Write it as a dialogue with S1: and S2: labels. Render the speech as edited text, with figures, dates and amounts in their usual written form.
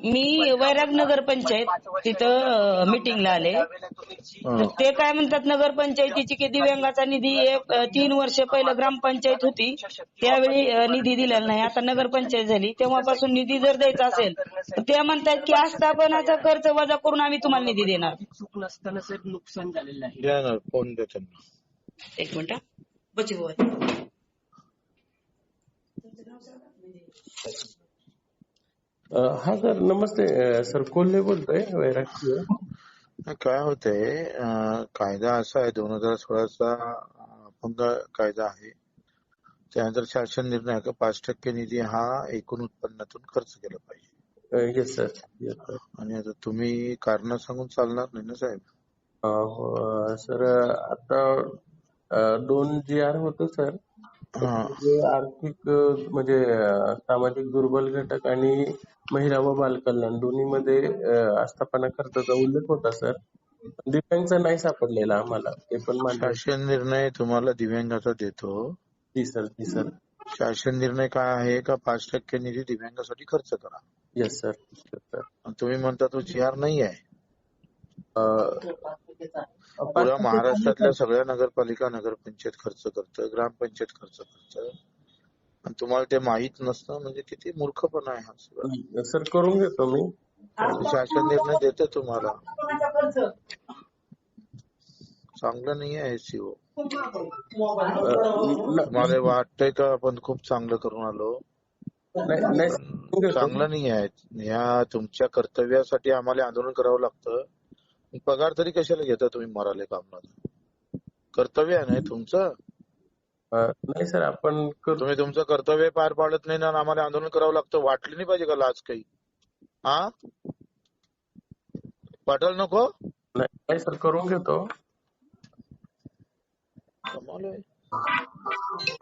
S1: मी वैराग नगर पंचायत तिथं मीटिंगला आले. तर ते काय म्हणतात, नगरपंचायतीची की दिव्यांगाचा निधी 3 वर्ष पहिलं ग्रामपंचायत होती त्यावेळी निधी दिलेला नाही. आता नगरपंचायत झाली तेव्हापासून निधी जर द्यायचा असेल तर ते म्हणतात की आस्थापनाचा खर्च वजा करून आम्ही तुम्हाला निधी देणार.
S2: चूक नसताना साहेब नुकसान झालेलं आहे.
S3: द्या ना, फोन द्या त्यांना.
S1: एक मिनिट बची
S4: हा सर, नमस्ते सर, कोल्हे बोलतोय वैरागची.
S3: काय होतंय, कायदा असा आहे 2016चा अपंग कायदा आहे. त्यानंतर शासन निर्णय आहे का 5% निधी हा एकूण उत्पन्नातून खर्च केला पाहिजे.
S4: Yes sir, yes sir.
S3: आणि आता तुम्ही कारण सांगून चालणार नाही ना साहेब.
S4: सर आता 2 GR होतं सर. जे आर्थिक म्हणजे सामाजिक दुर्बल घटक आणि महिला व बालकल्याण दोन्हीमध्ये आस्थापना खर्चाचा उल्लेख होता सर. दिव्यांगचा नाही सापडलेला आम्हाला, ते पण मान्य.
S3: शासन निर्णय तुम्हाला दिव्यांगाचा देतो.
S4: जी सर, जी सर.
S3: शासन निर्णय काय आहे का 5% निधी दिव्यांगासाठी खर्च करा.
S4: Yes sir, sir.
S3: तुम्ही म्हणता तो GR नाही आहे. पुऱ्या महाराष्ट्रातल्या सगळ्या नगरपालिका नगरपंचायत खर्च करतं, ग्रामपंचायत खर्च करतं, आणि तुम्हाला ते माहित नसतं म्हणजे किती मूर्खपणा आहे हा सगळं.
S4: सर करून घेतो मी.
S3: शासन निर्णय देते तुम्हाला. चांगलं नाही आहे सीओ. तुम्हाला वाटतंय का आपण खूप चांगलं करून आलो? चांगलं नाही आहे. या तुमच्या कर्तव्यासाठी आम्हाला आंदोलन करावं लागतं. पगार तरी कशाला घेता तुम्ही मराले कामला? कर्तव्य आहे ना तुमचं.
S4: नाही सर, आपण
S3: तुम्ही तुमचं कर्तव्य पार पाडत नाही ना, आम्हाला आंदोलन करावं लागतं. वाटली नाही पाहिजे का लाज काही? हा, पाठल नको.
S4: नाही सर, करून घेतो.
S3: कमाल आहे.